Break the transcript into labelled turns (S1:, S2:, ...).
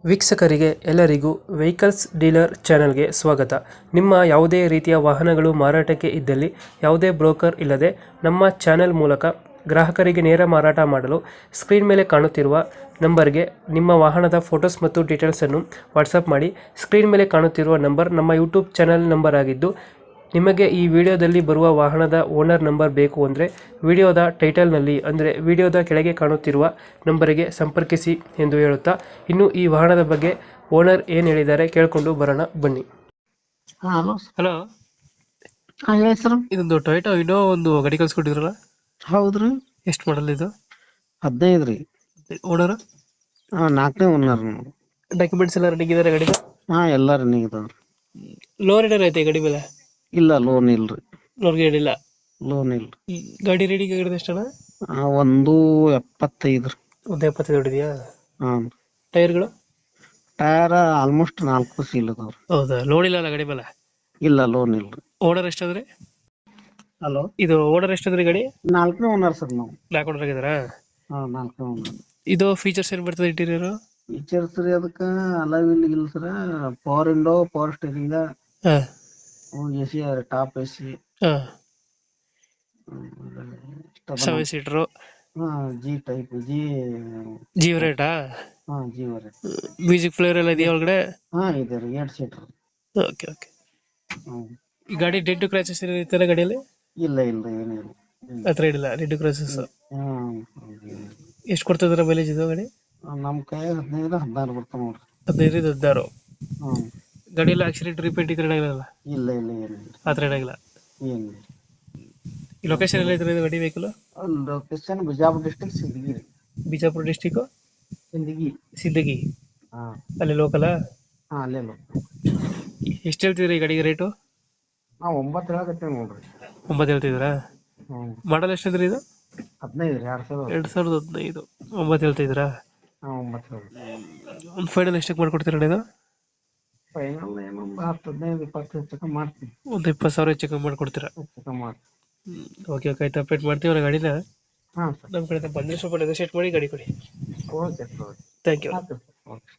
S1: ವೀಕ್ಷಕರಿಗೆ ಎಲ್ಲರಿಗೂ vehicles dealer ಚಾನೆಲ್ಗೆ ಸ್ವಾಗತ. ನಿಮ್ಮ ಯಾವುದೇ ರೀತಿಯ ವಾಹನಗಳು ಮಾರಾಟಕ್ಕೆ ಇದ್ದಲ್ಲಿ ಯಾವುದೇ ಬ್ರೋಕರ್ ಇಲ್ಲದೆ ನಮ್ಮ ಚಾನೆಲ್ ಮೂಲಕ ಗ್ರಾಹಕರಿಗೆ ನೇರ ಮಾರಾಟ ಮಾಡಲು ಸ್ಕ್ರೀನ್ ಮೇಲೆ ಕಾಣುತ್ತಿರುವ ನಂಬರ್ಗೆ ನಿಮ್ಮ ವಾಹನದ ಫೋಟೋಸ್ ಮತ್ತು ಡೀಟೇಲ್ಸನ್ನು ವಾಟ್ಸಪ್ ಮಾಡಿ. ಸ್ಕ್ರೀನ್ ಮೇಲೆ ಕಾಣುತ್ತಿರುವ ನಂಬರ್ ನಮ್ಮ ಯೂಟ್ಯೂಬ್ ಚಾನೆಲ್ ನಂಬರ್ ಆಗಿದ್ದು, ನಿಮಗೆ ಈ ವಿಡಿಯೋದಲ್ಲಿ ಬರುವ ವಾಹನದ ಓನರ್ ನಂಬರ್ ಬೇಕು ಅಂದರೆ ವಿಡಿಯೋದ ಟೈಟಲ್ನಲ್ಲಿ ಅಂದರೆ ವಿಡಿಯೋದ ಕೆಳಗೆ ಕಾಣುತ್ತಿರುವ ನಂಬರಿಗೆ ಸಂಪರ್ಕಿಸಿ ಎಂದು ಹೇಳುತ್ತಾ, ಇನ್ನು ಈ ವಾಹನದ ಬಗ್ಗೆ ಓನರ್ ಏನು ಹೇಳಿದ್ದಾರೆ ಕೇಳಿಕೊಂಡು ಬರೋಣ ಬನ್ನಿ.
S2: ಹಲೋ
S1: ಹಲೋ,
S2: ಹೇಳಿ ಸರ್.
S1: ಇದೊಂದು ಟೊಯೋಟೋ ಇನ್ನೋ ಒಂದು ಗಾಡಿ ಕಳ್ಸ್ಕೊಟ್ಟಿದ್ರಲ್ಲ,
S2: ಹೌದ್ರಿ,
S1: ಎಷ್ಟು ಮಾಡಲ್ ಇದು?
S2: 15 ರೀ.
S1: ಓನರ್?
S2: 4ನೇ ಓನರ್.
S1: ಡಾಕ್ಯುಮೆಂಟ್ಸ್ ಎಲ್ಲ ರೆಡಿ ಇದ್ದಾರೆ ಗಾಡಿ?
S2: ಎಲ್ಲ ರನ್ನಿಂಗ್ ಇದಾವ್ರಿ.
S1: ಲೋನ್ ಏನಾರ ಐತೆ ಗಾಡಿ ಮೇಲೆ?
S2: ಇಲ್ಲ, ಲೋನ್ ಇಲ್ರಿ.
S1: ಲೋನ್ಗೆ ಹೇಳಿಲ್ಲ?
S2: ಲೋನ್ ಇಲ್ರಿ.
S1: ಗಾಡಿ ರೆಡಿ ಆಗಿರೋದು ಎಷ್ಟಣ್ಣ?
S2: 1.75 ರೀ.
S1: ಒಂದು 75 ಹೊಡಿದೆಯಾ?
S2: ಹಾಂ.
S1: ಟೈರ್ಗಳು?
S2: ಟೈರ್ ಆಲ್ಮೋಸ್ಟ್ 4 ಸೀಲ್ ಅದಾವ್ರಿ.
S1: ಹೌದಾ? ಲೋನ್ ಇಲ್ಲ ಅಲ್ಲ ಗಾಡಿ ಮೇಲೆ?
S2: ಇಲ್ಲ, ಲೋನ್ ಇಲ್ರಿ.
S1: ಓನರ್ ಎಷ್ಟಾದ್ರೆ?
S2: ಹಲೋ,
S1: ಇದು ಓನರ್ ಎಷ್ಟಾದ್ರಿ ಗಾಡಿ?
S2: 4ನೇ ಓನರ್ ಸರ್ ನಾವು.
S1: 4 ಓನರ್ ಆಗಿದಾರಾ?
S2: 4ನೇ ಓನರ್.
S1: ಇದು ಫೀಚರ್ಸ್ ಏನ್ ಬರ್ತದೆ ಇಂಟೀರಿಯರ್?
S2: ಫೀಚರ್ಸ್ ರೀ ಅದಕ್ಕೆ ಅಲಾವಿಲ್ ಇಲ್ಲ sir. Power window, power steering, AC, top AC,
S1: 7 seater,
S2: G type,
S1: G ರೇಟಾ?
S2: ಜಿ ವರೆ.
S1: ಮ್ಯೂಸಿಕ್ ಪ್ಲೇಯರ್ ಎಲ್ಲ ಇದೆಯಾ ಒಳಗಡೆ?
S2: ಇದೆ ರೀ, 2 ಸೀಟರ್.
S1: Okay okay. ಈ ಗಾಡಿ ಡೆಡ್ ಕ್ರಾಚಸ್ ಇರ್ತಾರೆ ಗಾಡಿಯಲ್ಲಿ?
S2: ಇಲ್ಲ ಏನಿಲ್ಲ.
S1: ಹತ್ರ ಇಡಿಲ್ಲ ಡೆಡ್ ಕ್ರಾಚಸ್.
S2: ಹ್ಮ್.
S1: ಎಷ್ಟು ಕೊಡ್ತಿದಾರೆ ಮೈಲೇಜ್ ಇದು ಗಾಡಿ?
S2: ನಮ್ ಕೈ 15-16 ಬರ್ತಾವ ನೋಡ್ರಿ.
S1: 15-16.
S2: ಹ್ಮ್.
S1: ಗಾಡಿಯಲ್ಲಿ ಆಕ್ಸಿಡೆಂಟ್ ರಿಪೇಂಟ್ ಈ ತರ ಏನಾಗಿಲ್ಲ?
S2: ಇಲ್ಲ ಏನಿಲ್ಲ.
S1: ಆ ತರ ಏನಾಗಿಲ್ಲ?
S2: ಏನಿಲ್ಲ.
S1: ಈ ಲೊಕೇಶನ್ ಎಲ್ಲ ಇದ್ರೆ ಗಾಡಿ vehicle?
S2: Location Bijapur district, Sindagi ರೀ.
S1: ಬಿಜಾಪುರ ಡಿಸ್ಟಿಕ್ ಸಿಂದಗಿ.
S2: ಹಾ,
S1: ಅಲ್ಲಿ ಲೋಕಲ್?
S2: ಅಲ್ಲೇ
S1: ಎಷ್ಟು ಹೇಳ್ತಿದ್ರಿ ಈ ಗಾಡಿಗೆ ರೇಟು?
S2: 9 ಹೇಳಕತ್ತೇವ್ ನೋಡ್ರಿ.
S1: 9 ಹೇಳ್ತಿದ್ದೀರಾ? ಮಾಡಲ್ ಎಷ್ಟಿದ್ರಿ ಇದು?
S2: 15 ರೀ,
S1: 2015. 9 ಹೇಳ್ತಿದ್ದೀರಾ?
S2: 9.
S1: ಒಂದು ಫೈನಲ್ ಎಷ್ಟಕ್ಕೆ ಮಾಡ್ಕೊಡ್ತೀರಾ ಇದು?
S2: ಫೈನಲ್ ಏನೊಂದು 10-15-20 ಹೆಚ್ಚು ಮಾಡ್ತೀನಿ.
S1: ಒಂದು 20,000 ಹೆಚ್ಚು ಕಮ್ಮಿ ಮಾಡ್ಕೊಡ್ತೀರಾ?
S2: ಮಾಡ್ತೀನಿ.
S1: ಓಕೆ ಓಕೆ, ಆಯ್ತು. ಅಪ್ಡೇಟ್ ಮಾಡ್ತೀವಿ ಗಾಡಿನ.
S2: ಹಾಂ ಸರ್.
S1: ನಮ್ಮ ಕಡೆ ಬಂದರೆ ಸ್ವಲ್ಪ ನೆಗೋಶಿಯೇಟ್ ಮಾಡಿ ಗಾಡಿ ಕೊಡಿ.
S2: Okay sir.
S1: Thank you.
S2: Okay.